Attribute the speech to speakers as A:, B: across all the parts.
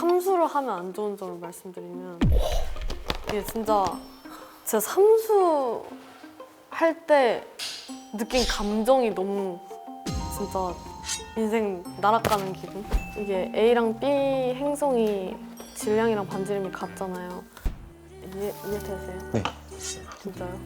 A: 삼수를 하면 안 좋은 점을 말씀드리면 이게 진짜 제가 삼수 할 때 느낀 감정이 너무 진짜 인생 날아가는 기분? 이게 A랑 B 행성이 질량이랑 반지름이 같잖아요. 이해되세요?
B: 네.
A: 진짜요?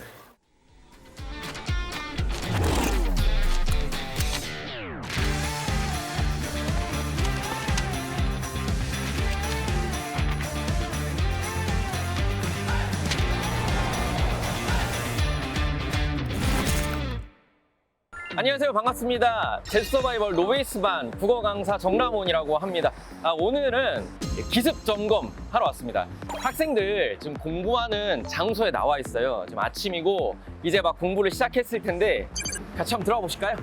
C: 안녕하세요, 반갑습니다. 제주 서바이벌 노베이스반 국어 강사 정남원이라고 합니다. 오늘은 기습 점검 하러 왔습니다. 학생들 지금 공부하는 장소에 나와 있어요. 지금 아침이고 이제 막 공부를 시작했을 텐데 같이 한번 들어가 보실까요?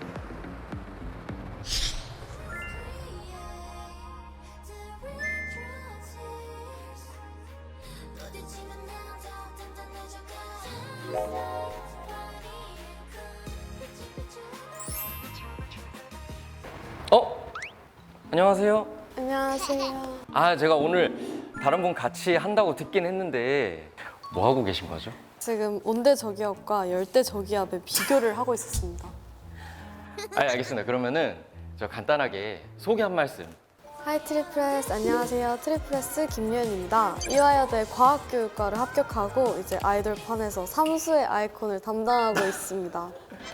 C: 안녕하세요.
A: 안녕하세요.
C: 제가 오늘 다른 분 같이 한다고 듣긴 했는데 뭐 하고 계신 거죠?
A: 지금 온대저기압과 열대저기압의 비교를 하고 있었습니다.
C: 알겠습니다. 그러면은 저 간단하게 소개 한 말씀.
A: 하이 트리플S, 안녕하세요. 트리플S 김유연입니다. 이화여대 과학교육과를 합격하고 이제 아이돌판에서 삼수의 아이콘을 담당하고 있습니다.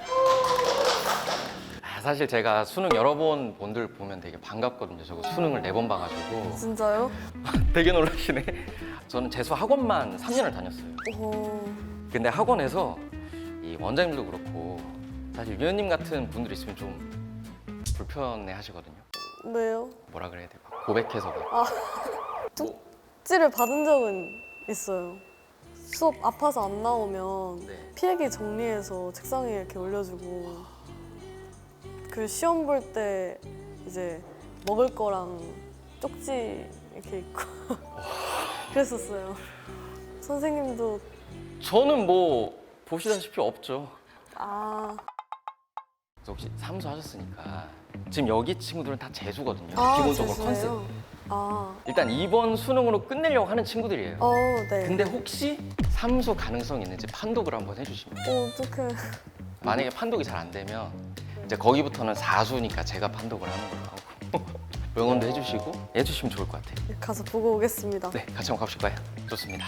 C: 사실 제가 수능 여러 번 분들 보면 되게 반갑거든요. 저거 수능을 4번 봐가지고
A: 진짜요?
C: 되게 놀라시네. 저는 재수 학원만 3년을 다녔어요.
A: 오,
C: 근데 학원에서 이 원장님도 그렇고 사실 유연님 같은 분들 있으면 좀 불편해 하시거든요.
A: 왜요?
C: 뭐라 그래야 돼요? 고백해서 막.
A: 쪽지를 받은 적은 있어요. 수업 아파서 안 나오면
C: 네.
A: 필기 정리해서 책상에 이렇게 올려주고 그 시험 볼 때 이제 먹을 거랑 쪽지 이렇게 있고 그랬었어요. 선생님도
C: 저는 뭐 보시다시피 없죠.
A: 아,
C: 그래서 혹시 삼수 하셨으니까 지금 여기 친구들은 다 재수거든요.
A: 아
C: 기본적으로
A: 재수예요?
C: 컨셉.
A: 아,
C: 일단 이번 수능으로 끝내려고 하는 친구들이에요.
A: 네.
C: 근데 혹시 삼수 가능성이 있는지 판독을 한번 해주시면.
A: 어떡해.
C: 만약에 판독이 잘 안 되면 이제 거기부터는 사수니까 제가 판독을 하는 걸로 하고 응원도 해주시면 좋을 것 같아요.
A: 가서 보고 오겠습니다.
C: 네, 같이 한번 가보실까요? 좋습니다.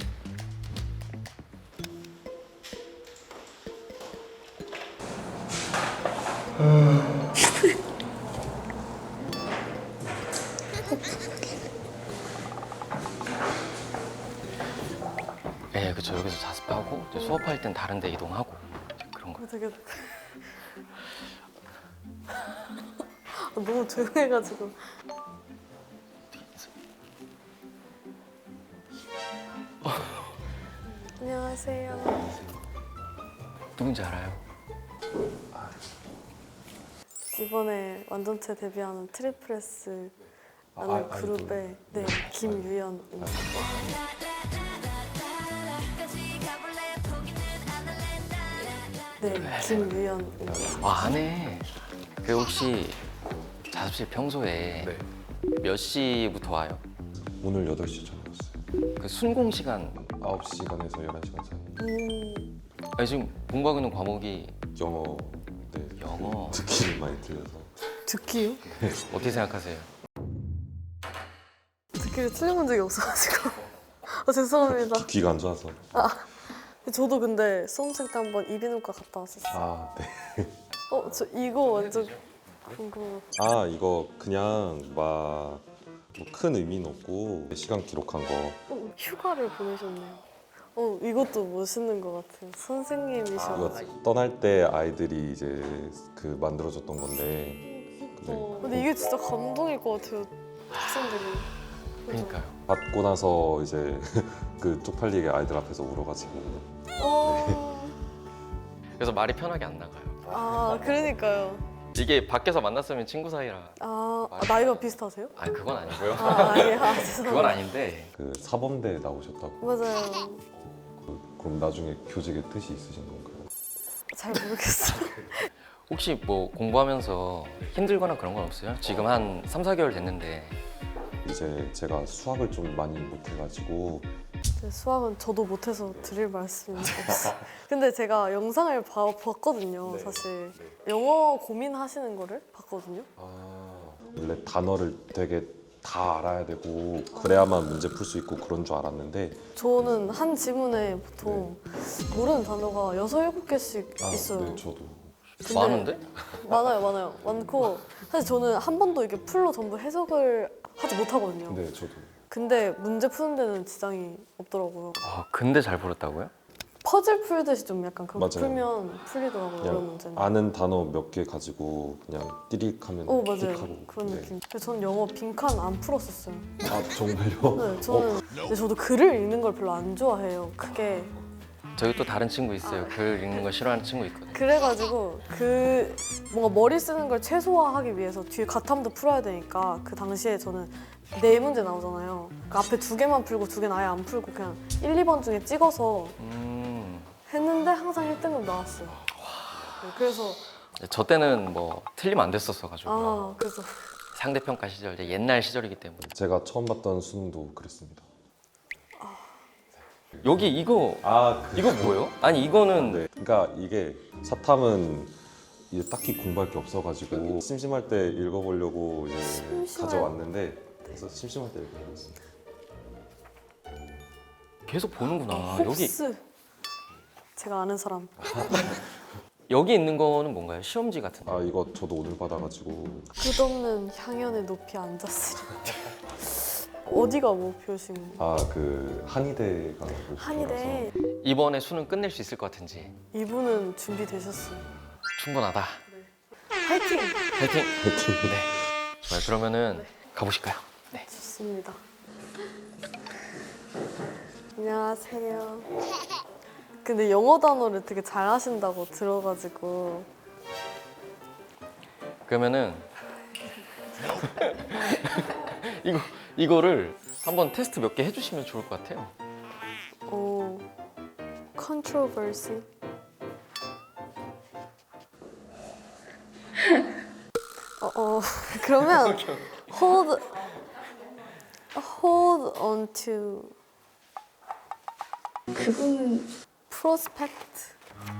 C: 네, 그쵸. 여기서 자습하고 이제 수업할 땐 다른 데 이동하고 그런 거.
A: 되게 너무 조용해가지고. 안녕하세요.
C: 누군지 알아요?
A: 이번에 완전체 데뷔하는 트리플스라는 그룹의 네, 김유연입니다. 네, 김유연입니다.
C: 안에 그 혹시 자습실 평소에
B: 네.
C: 몇 시부터 와요?
B: 오늘 8시 전에 왔어요.
C: 그 순공 시간
B: 9시간에서 11시간 사이.
C: 아니, 지금 공부하고 있는 과목이
B: 영어, 네.
C: 영어.
B: 듣기를 많이 들려서.
A: 듣기요?
C: 어떻게 생각하세요?
A: 듣기를 틀려본 적이 없어가지고. 죄송합니다.
B: 귀가 안 좋아서.
A: 저도 근데 수험생 때 한번 이비인후과 갔다 왔었어요.
B: 아, 네.
A: 저 이거 완전 궁금해요.
B: 아, 이거 그냥 막 큰 의미는 없고 시간 기록한 거.
A: 휴가를 보내셨네요. 이것도 멋있는 것 같아요. 선생님이셔.
B: 이거 떠날 때 아이들이 이제 그 만들어줬던 건데. 네.
A: 근데 이게 진짜 감동일 것 같아요. 학생들이.
C: 그러니까요.
B: 받고 나서 이제 그 쪽팔리게 아이들 앞에서 울어가지고.
C: 그래서 말이 편하게 안 나가요.
A: 그러니까요.
C: 이게 밖에서 만났으면 친구 사이라.
A: 나이가 비슷하세요?
C: 아니, 그건 아니고요.
A: 죄송합니다.
C: 그건 아닌데.
B: 그 사범대 나오셨다고.
A: 맞아요.
B: 그럼 나중에 교직에 뜻이 있으신 건가요?
A: 잘 모르겠어요.
C: 혹시 뭐 공부하면서 힘들거나 그런 건 없어요? 지금 한 3, 4개월 됐는데
B: 이제 제가 수학을 좀 많이 못해가지고
A: 네, 수학은 저도 못해서 드릴 말씀이 없어요. 근데 제가 영상을 봤거든요, 사실. 영어 고민하시는 거를 봤거든요.
B: 원래 단어를 되게 다 알아야 되고 그래야만 문제 풀 수 있고 그런 줄 알았는데
A: 저는 한 지문에 보통 모르는 단어가 6, 7개씩 있어요.
B: 네, 저도
A: 근데
C: 많은데?
A: 많아요. 많고 사실 저는 한 번도 이게 풀로 전부 해석을 하지 못하거든요.
B: 네, 저도
A: 근데 문제 푸는 데는 지장이 없더라고요.
C: 근데 잘 풀었다고요?
A: 퍼즐 풀듯이 좀 약간 그렇게
B: 맞아요.
A: 풀면 풀리더라고요. 어려운
B: 그냥
A: 문제는.
B: 아는 단어 몇 개 가지고 그냥 띠릭하면
A: 맞아요.
B: 틱하고
A: 그런
B: 네.
A: 느낌. 근데 저는 영어 빈칸 안 풀었었어요.
B: 아 정말요?
A: 네, 근데 저도 글을 읽는 걸 별로 안 좋아해요. 크게.
C: 저기 또 다른 친구 있어요. 글 읽는 거 싫어하는 친구 있거든요.
A: 그래가지고 뭔가 머리 쓰는 걸 최소화하기 위해서 뒤에 가탐도 풀어야 되니까 그 당시에 저는 4문제 나오잖아요. 그 앞에 2개만 풀고 2개는 아예 안 풀고 그냥 1, 2번 중에 찍어서 했는데 항상 1등급 나왔어요. 네, 그래서
C: 저 때는 뭐 틀리면 안 됐었어가지고
A: 그래서
C: 상대평가 시절, 이제 옛날 시절이기 때문에.
B: 제가 처음 봤던 수능도 그랬습니다.
C: 여기 이거
B: 그
C: 이거 뭐예요? 아니 이거는
B: 네. 그러니까 이게 사탐은 이제 딱히 공부할 게 없어가지고 심심할 때 읽어보려고 이제 가져왔는데 그래서 심심할 때 읽어봤습니다.
C: 계속 보는구나. 여기
A: 홉스. 제가 아는 사람.
C: 여기 있는 거는 뭔가요? 시험지 같은 거?
B: 이거 저도 오늘 받아가지고
A: 끝없는 향연의 높이 앉았으리. 어디가 목표신 거예요?
B: 그 한의대가
A: 한의대.
C: 이번에 수능 끝낼 수 있을 것 같은지.
A: 이분은 준비되셨어요.
C: 충분하다.
A: 화이팅!
C: 파이팅! 네. 좋아요. 그러면은 가보실까요? 네.
A: 좋습니다. 안녕하세요. 근데 영어 단어를 되게 잘 하신다고 들어가지고
C: 그러면은 이거를 한번 테스트 몇 개 해주시면 좋을 것 같아요.
A: controversy. 그러면 hold on to
D: 그거는
A: prospect.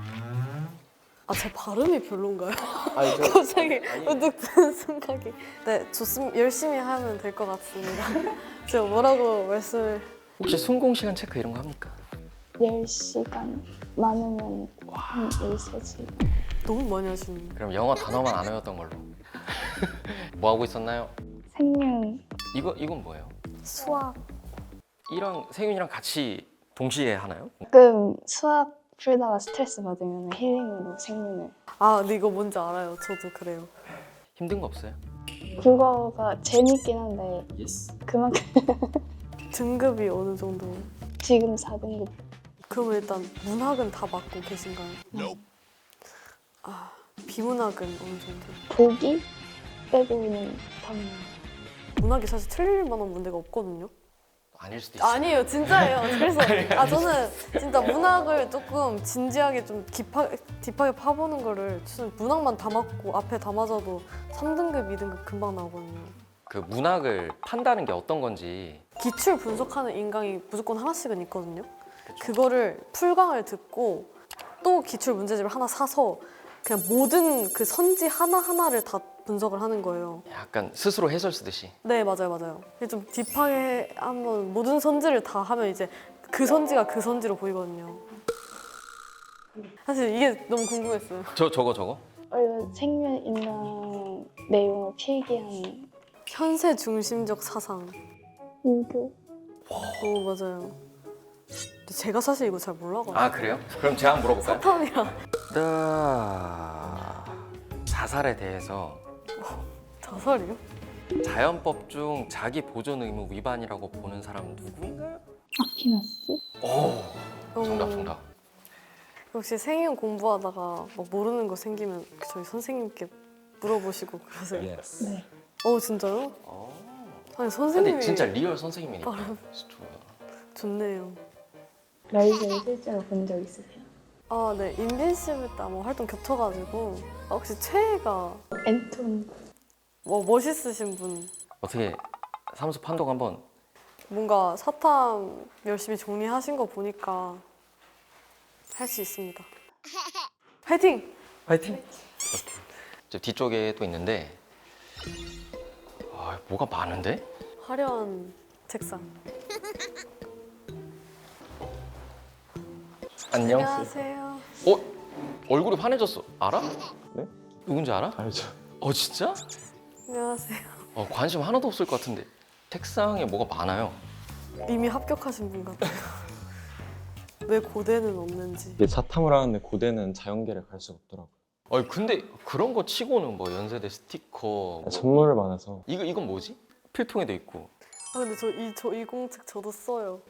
A: 제 발음이 별론가요? 갑자기 문득 드는 생각이. 네, 좋습니다. 열심히 하면 될 것 같습니다. 제가 뭐라고 말씀을.
C: 혹시 순공 시간 체크 이런 거 합니까?
D: 10시간 많으면 한 1세지.
A: 너무 많이 하시는.
C: 그럼 영어 단어만 안 외웠던 걸로. 뭐 하고 있었나요?
D: 생명
C: 이건 뭐예요?
A: 수학.
C: 이랑 세윤이랑 같이 동시에 하나요?
D: 가끔 수학 풀다가 스트레스 받으면 힐링으로 생명을.
A: 근데 이거 뭔지 알아요. 저도 그래요.
C: 힘든 거 없어요?
D: 국어가 재밌긴 한데 그만큼
A: 등급이 어느 정도?
D: 지금 4등급.
A: 그럼 일단 문학은 다 맡고 계신가요? 비문학은 어느 정도?
D: 보기 빼고는 다 맞아요.
A: 문학이 사실 틀릴 만한 문제가 없거든요.
C: 아닐 수도 있어요.
A: 아니에요, 진짜예요. 그래서 저는 진짜 문학을 조금 진지하게 좀 딥하게 파보는 거를 저는 문학만 다 맞고 앞에 다 맞아도 3등급, 2등급 금방 나오거든요.
C: 그 문학을 판다는 게 어떤 건지.
A: 기출 분석하는 인강이 무조건 하나씩은 있거든요. 그거를 풀강을 듣고 또 기출 문제집을 하나 사서 그냥 모든 그 선지 하나하나를 다 분석을 하는 거예요.
C: 약간 스스로 해설 쓰듯이.
A: 네, 맞아요. 좀 딥하게 한번 모든 선지를 다 하면 이제 그 선지가 그 선지로 보이거든요. 사실 이게 너무 궁금했어요.
C: 저거?
D: 원래 생명 인간 내용을 필기한
A: 현세 중심적 사상.
D: 유교.
A: 오, 맞아요. 근데 제가 사실 이거 잘 몰라가지고.
C: 그래요? 그럼 제가 한번 물어볼까요?
A: 사탐이랑
C: 자살에 대해서
A: 자살이요?
C: 자연법 중 자기 보존 의무 위반이라고 보는 사람 누구인가요?
D: 아퀴나스?
C: 오, 정답.
A: 혹시 생일 공부하다가 막 모르는 거 생기면 저희 선생님께 물어보시고 그러세요?
D: 네.
A: 진짜요? 아니
C: 근데
A: 선생님이
C: 진짜 리얼 선생님이니까.
A: 나름
C: 좋아요.
A: 좋네요.
D: 라이브를 실제로 본 적 있으세요?
A: 네. 인빈시블 때 아마 활동 겹쳐가지고 혹시 최애가
D: 앤톤.
A: 멋있으신 분.
C: 어떻게 사무소 판독 한번.
A: 뭔가 사탐 열심히 정리하신 거 보니까 할 수 있습니다. 화이팅!
C: 파이팅. 오케이. 저 뒤쪽에 또 있는데 뭐가 많은데?
A: 화려한 책상.
C: 안녕.
A: 안녕하세요.
C: 얼굴이 환해졌어. 알아?
B: 네?
C: 누군지 알아?
B: 알죠.
C: 진짜?
A: 안녕하세요.
C: 관심 하나도 없을 것 같은데. 책상에 뭐가 많아요.
A: 이미 합격하신 분 같아요. 왜 고대는 없는지.
E: 이게 사탐을 하는데 고대는 자연계를 갈 수가 없더라고요.
C: 근데 그런 거 치고는 뭐 연세대 스티커 뭐.
E: 선물을 받아서
C: 이건 뭐지? 필통에도 있고.
A: 아 근데 저 이 공책 저도 써요.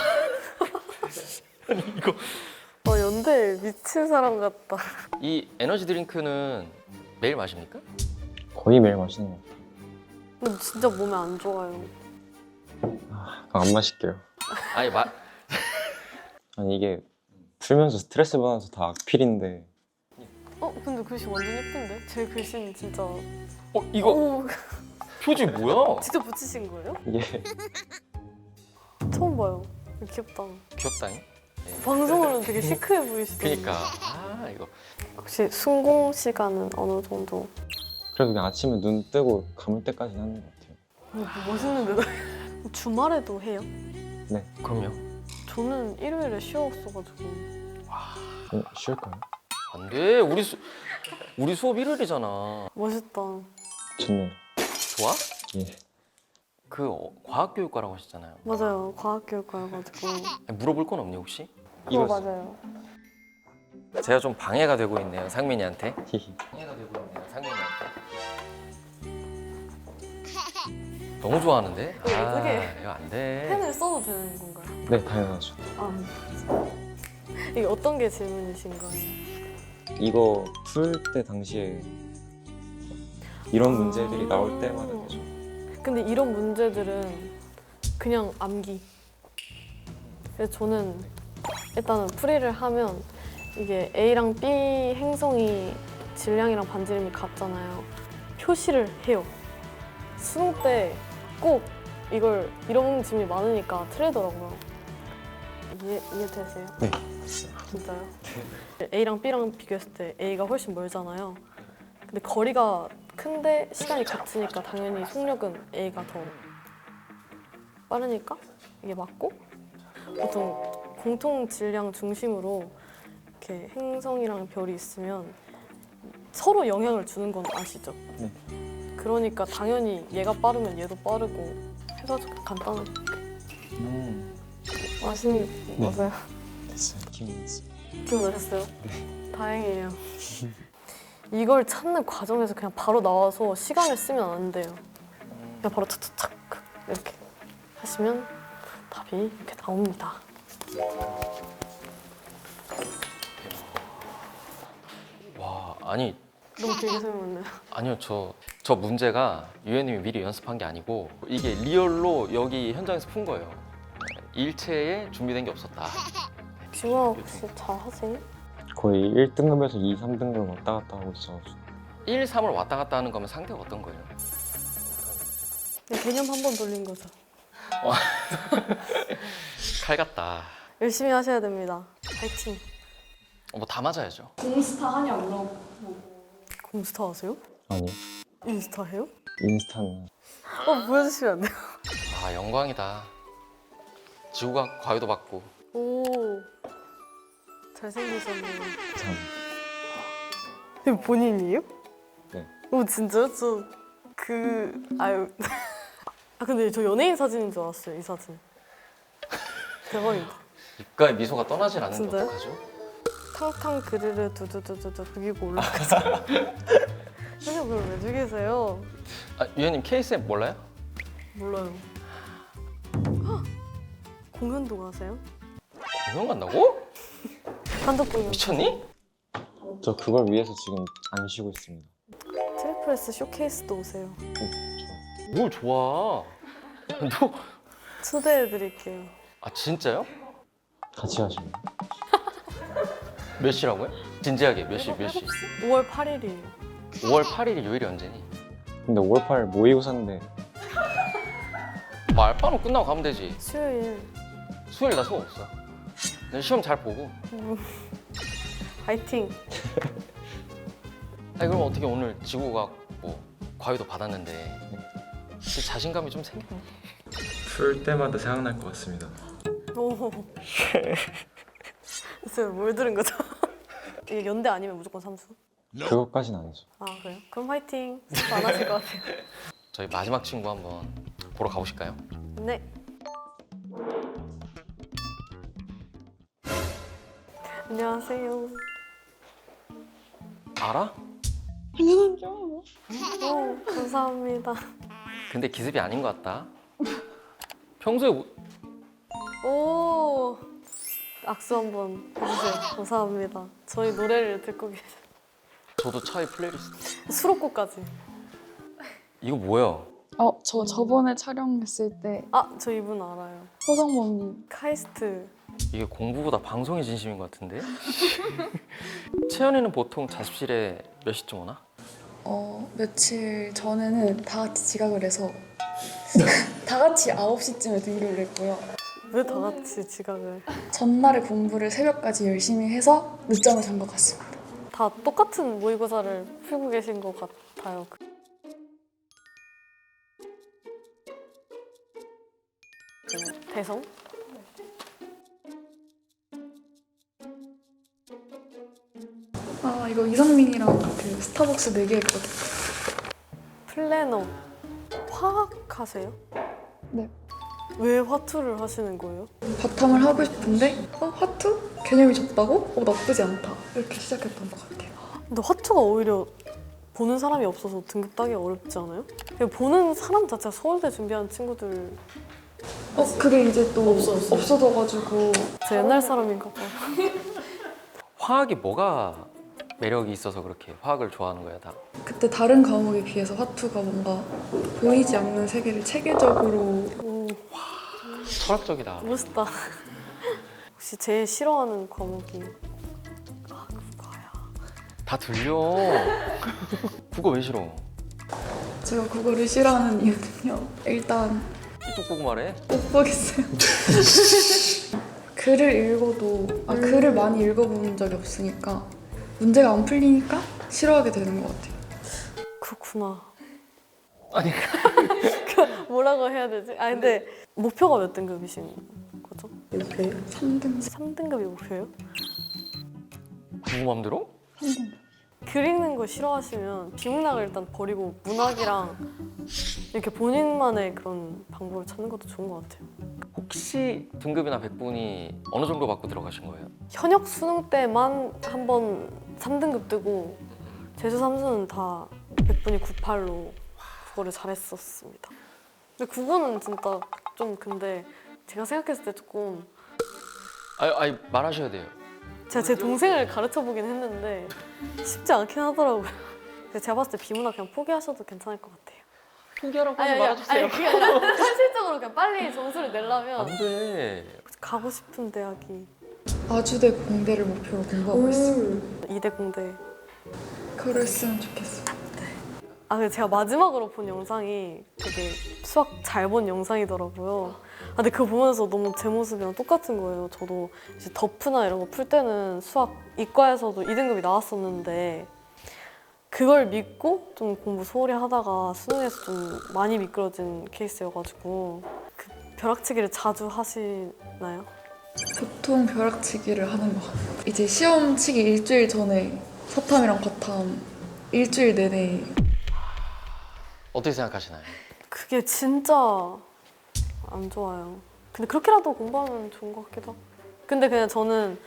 C: 이거
A: 연대 미친 사람 같다.
C: 이 에너지 드링크는 매일 마십니까?
E: 거의 매일 마시는 것 같아요.
A: 근데 진짜 몸에 안 좋아요.
E: 안 마실게요.
C: 아니
E: 아니 이게 풀면서 스트레스 받아서 다 악필인데
A: 근데 글씨 완전 예쁜데? 제 글씨는 진짜.
C: 이거
A: 오,
C: 표지 뭐야?
A: 직접 붙이신 거예요?
E: 이게
A: 처음 봐요. 귀엽다.
C: 귀엽다잉.
A: 방송으로는 되게 시크해 보이시던데.
C: 그니까 이거
A: 혹시 순공 시간은 어느 정도?
E: 그래도 그냥 아침에 눈 뜨고 감을 때까지는 하는 것 같아요.
A: 멋있는데도. 주말에도 해요?
C: 그럼요.
A: 저는 일요일에 쉬었어가지고.
E: 쉴까요?
C: 안돼. 우리 수업 일요일이잖아.
A: 멋있다.
E: 좋네요.
C: 좋아?
E: 예.
C: 과학교육과라고 하셨잖아요.
A: 맞아요. 과학교육과여가지고.
C: 물어볼 건 없니 혹시?
A: 그거 맞아요.
C: 제가 좀 방해가 되고 있네요, 상민이한테.
E: 히히.
C: 방해가 되고 있네요, 상민이한테. 너무 좋아하는데?
A: 어떡해.
C: 이거 안 돼.
A: 펜을 써도 되는 건가요?
E: 네, 당연하죠.
A: 이게 어떤 게 질문이신 거예요?
E: 이거 풀 때 당시에 이런 문제들이 나올 때마다 계속
A: 근데 이런 문제들은 그냥 암기. 그래서 저는 일단은 풀이를 하면 이게 A랑 B 행성이 질량이랑 반지름이 같잖아요. 표시를 해요. 수능 때 꼭 이런 질문이 많으니까 틀리더라고요. 이해되세요?
E: 네.
A: 진짜요? A랑 B랑 비교했을 때 A가 훨씬 멀잖아요. 근데 거리가 큰데 시간이 같으니까 당연히 속력은 A가 더 빠르니까 이게 맞고, 보통 공통 질량 중심으로 이렇게 행성이랑 별이 있으면 서로 영향을 주는 건 아시죠?
E: 네.
A: 그러니까 당연히 얘가 빠르면 얘도 빠르고 해가지고 간단하게. 아시는
E: 네.
A: 맞아요?
E: 됐어요. 기억났어요.
A: 기억나셨어요? 네. 다행이에요. 이걸 찾는 과정에서 그냥 바로 나와서 시간을 쓰면 안 돼요. 그냥 바로 착착착 이렇게 하시면 답이 이렇게 나옵니다.
C: 와, 아니
A: 너무 길게 설명했나요?
C: 아니요, 저 문제가 유현님이 미리 연습한 게 아니고 이게 리얼로 여기 현장에서 푼 거예요. 일체에 준비된 게 없었다.
A: 지화 혹시 잘 하세요?
E: 거의 1등급에서 2, 3등급 왔다 갔다 하고 있어가지고
C: 1, 3을 왔다 갔다 하는 거면 상대가 어떤 거예요?
A: 그냥 개념 한 번 돌린 거죠.
C: 칼 같다.
A: 열심히 하셔야 됩니다. 파이팅.
C: 뭐 다 맞아야죠.
D: 공스타 하냐 물어보고
A: 공스타 하세요?
E: 아니
A: 인스타 해요?
E: 인스타는
A: 보여주시면 안 돼요?
C: 영광이다. 지구과학 과외도 받고.
A: 오, 잘생기셨네요.
E: 참
A: 이거 본인이에요?
E: 네.
A: 오, 진짜요? 아유. 근데 저 연예인 사진인 줄 알았어요, 이 사진. 대박이다.
C: 입가에 미소가 떠나질 않는데
A: 진짜요?
C: 어떡하죠?
A: 탕탕 그르르 두두두두두 그기고 올라가서. 선생님 그걸 왜 죽이세요?
C: 유현님 KSM 몰라요?
A: 몰라요. 헉! 공연도 가세요?
C: 공연 간다고?
A: 단독 공연.
C: 미쳤니?
E: 저 그걸 위해서 지금 안 쉬고 있습니다.
A: 트리플 S 쇼케이스도 오세요.
C: 뭘 좋아? 너
A: 초대해드릴게요.
C: 진짜요?
E: 같이 하시면
C: 몇 시라고요? 진지하게 몇 시?
A: 5월 8일이에요.
C: 5월 8일이 요일이 언제니?
E: 근데 5월 8일 모의고사인데
C: 뭐 알바는 끝나고 가면 되지.
A: 수요일
C: 수요일 나 수업 없어. 난 시험 잘 보고.
A: 화이팅.
C: 아니 그럼 어떻게 오늘 지구과학 뭐 과외도 받았는데 자신감이 좀 생겼네.
E: 풀 때마다 생각날 것 같습니다.
A: 오. 글쎄요, 뭘 들은 거죠? 이게 연대 아니면 무조건 삼수?
E: 그것까지는 아니죠.
A: 아 그래요? 그럼 화이팅. 스톱 안 하실 것 같아요.
C: 저희 마지막 친구 한번 보러 가보실까요?
A: 네. 안녕하세요.
C: 알아?
D: 당연하죠.
A: 오, 감사합니다.
C: 근데 기습이 아닌 것 같다. 평소에
A: 오, 악수 한번 해주세요. 감사합니다. 저희 노래를 듣고 계세요.
C: 저도 차에 플레이리스트.
A: 수록곡까지.
C: 이거 뭐야?
D: 저 저번에 촬영했을 때
A: 아, 저 이분 알아요.
D: 호성범님
A: 카이스트.
C: 이게 공부보다 방송이 진심인 것 같은데? 채연이는 보통 자습실에 몇 시쯤 오나?
D: 며칠 전에는 다 같이 지각을 해서 다 같이 9시쯤에 등교를 했고요.
A: 왜 다 같이 지각을?
D: 전날에 공부를 새벽까지 열심히 해서 늦잠을 잔 것 같습니다.
A: 다 똑같은 모의고사를 풀고 계신 것 같아요. 그 대성?
D: 이거 이성민이랑 그 스타벅스 4개 했거든요.
A: 플래너. 화학 하세요?
D: 네.
A: 왜 화투를 하시는 거예요?
D: 바탐을 하고 싶은데 화투? 개념이 적다고? 나쁘지 않다. 이렇게 시작했던 것 같아요.
A: 근데 화투가 오히려 보는 사람이 없어서 등급 따기 어렵지 않아요? 그냥 보는 사람 자체가 서울대 준비하는 친구들.
D: 그게 이제 또
A: 없어졌어요?
D: 없어져가지고
A: 제 옛날 사람인가 봐요.
C: 화학이 뭐가 매력이 있어서 그렇게 화학을 좋아하는 거야 다?
D: 그때 다른 과목에 비해서 화투가 뭔가 보이지 않는 세계를 체계적으로
A: 오,
C: 철학적이다.
A: 멋있다. 혹시 제일 싫어하는 과목이? 아, 국어야.
C: 다 들려. 국어 왜 싫어?
D: 제가 국어를 싫어하는 이유는요. 일단
C: 이뚝 보고 말해.
D: 못 보겠어요. 글을 읽어도 글을 많이 읽어본 적이 없으니까 문제가 안 풀리니까 싫어하게 되는 것 같아요.
A: 그렇구나.
C: 아니
A: 뭐라고 해야 되지? 아 근데 목표가 몇 등급이신 거죠? 목표예요?
D: 3등.
A: 3등급이 목표예요?
C: 누구 맘대로?
A: 글 읽는 거 싫어하시면 비문학을 일단 버리고 문학이랑 이렇게 본인만의 그런 방법을 찾는 것도 좋은 것 같아요.
C: 혹시 등급이나 백분이 어느 정도 받고 들어가신 거예요?
A: 현역 수능 때만 한 번 3등급 뜨고 재수 3수는 다 100분이 98로 국어를 잘했었습니다. 근데 국어는 진짜 좀 근데 제가 생각했을 때 조금
C: 아니 말하셔야 돼요.
A: 제가 제 동생을 가르쳐 보긴 했는데 쉽지 않긴 하더라고요. 그래서 제가 봤을 때 비문학 그냥 포기하셔도 괜찮을 것 같아요.
C: 포기하라고
A: 아니 그게 아니라 현실적으로 그냥 빨리 점수를 내려면
C: 안 돼.
A: 가고 싶은 대학이
D: 아주대 공대를 목표로 공부하고 있어요.
A: 이대 공대.
D: 그랬으면 좋겠어요.
A: 아 근데 제가 마지막으로 본 영상이 되게 수학 잘 본 영상이더라고요. 아, 근데 그거 보면서 너무 제 모습이랑 똑같은 거예요. 저도 이제 더프나 이런 거 풀 때는 수학 이과에서도 2등급이 나왔었는데 그걸 믿고 좀 공부 소홀히 하다가 수능에서 좀 많이 미끄러진 케이스여가지고 그 벼락치기를 자주 하시나요?
D: 보통 벼락치기를 하는 것 같아요. 이제 시험 치기 일주일 전에 사탐이랑 과탐 일주일 내내
C: 어떻게 생각하시나요?
A: 그게 진짜 안 좋아요. 근데 그렇게라도 공부하면 좋은 것 같기도 하고. 근데 그냥 저는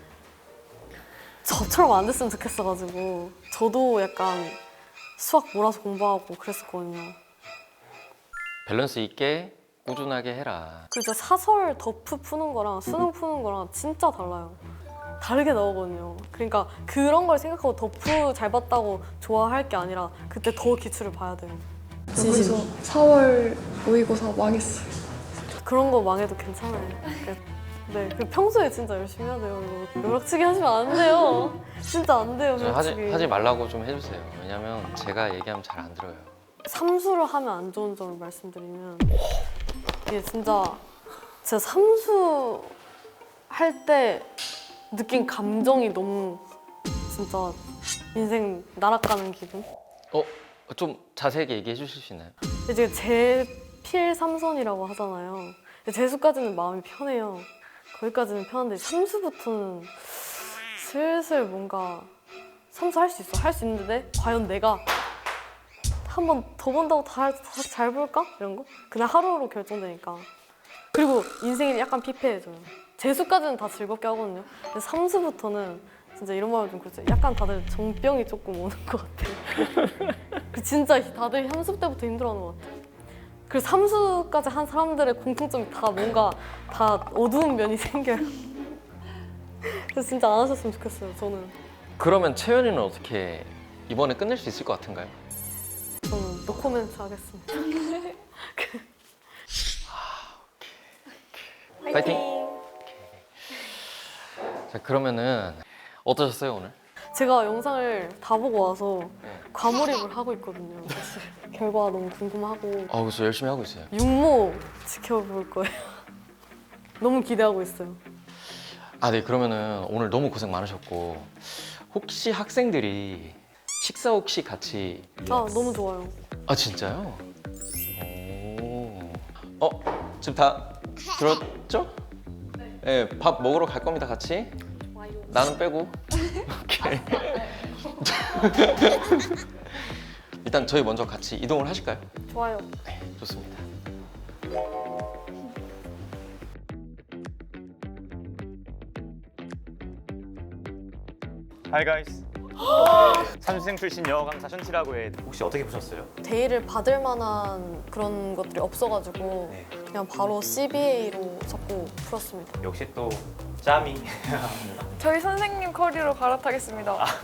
A: 저처럼 안 됐으면 좋겠어가지고 저도 약간 수학 몰아서 공부하고 그랬었거든요.
C: 밸런스 있게 꾸준하게 해라.
A: 그리고 진짜 사설 더프 푸는 거랑 수능 푸는 거랑 진짜 달라요. 다르게 나오거든요. 그러니까 그런 걸 생각하고 더프 잘 봤다고 좋아할 게 아니라 그때 더 기출을 봐야 돼요.
D: 그래서 4월 모의고사 망했어요.
A: 그런 거 망해도 괜찮아요. 네, 그 평소에 진짜 열심히 해야 돼요. 이거 벼락치기 하시면 안 돼요. 진짜 안 돼요, 벼락치기.
C: 하지 말라고 좀 해주세요. 왜냐면 제가 얘기하면 잘 안 들어요.
A: 삼수를 하면 안 좋은 점을 말씀드리면 이게 진짜 제가 삼수 할 때 느낀 감정이 너무 진짜 인생 날아가는 기분.
C: 좀 자세하게 얘기해 주실 수 있나요?
A: 이제 제필 삼선이라고 하잖아요. 재수까지는 마음이 편해요. 거기까지는 편한데 삼수부터는 슬슬 뭔가 삼수 할 수 있어. 할 수 있는데 과연 내가 한 번 더 본다고 다 잘 볼까? 이런 거? 그냥 하루로 결정되니까. 그리고 인생이 약간 피폐해져요. 재수까지는 다 즐겁게 하거든요. 근데 삼수부터는 진짜 이런 말은 좀 그렇죠. 약간 다들 정병이 조금 오는 것 같아요. 진짜 다들 삼수 때부터 힘들어하는 것 같아요. 그리고 삼수까지 한 사람들의 공통점이 다 뭔가 다 어두운 면이 생겨요. 그래서 진짜 안 하셨으면 좋겠어요, 저는.
C: 그러면 채연이는 어떻게 이번에 끝낼 수 있을 것 같은가요?
A: 저는 노코멘트 하겠습니다.
C: 파이팅! 자, 그러면은 어떠셨어요, 오늘?
A: 제가 영상을 다 보고 와서
C: 네.
A: 과몰입을 하고 있거든요. 사실 결과 너무 궁금하고
C: 그래서 열심히 하고 있어요.
A: 육모 지켜볼 거예요. 너무 기대하고 있어요.
C: 네, 그러면은 오늘 너무 고생 많으셨고 혹시 학생들이 식사 혹시 같이
A: 너무 좋아요.
C: 진짜요? 오. 지금 다 들었죠? 네. 밥 먹으러 갈 겁니다, 같이. 나는 빼고. 오케이. 일단 저희 먼저 같이 이동을 하실까요?
A: 좋아요.
C: 네, 좋습니다.
F: Hi guys. 삼수생 출신 영어 강사 션치라고 해. 혹시 어떻게 보셨어요?
A: 데이를 받을 만한 그런 것들이 없어가지고
F: 네.
A: 그냥 바로 CBA로 잡고 풀었습니다.
F: 역시 또 짬이.
D: 저희 선생님 커리로 갈아타겠습니다.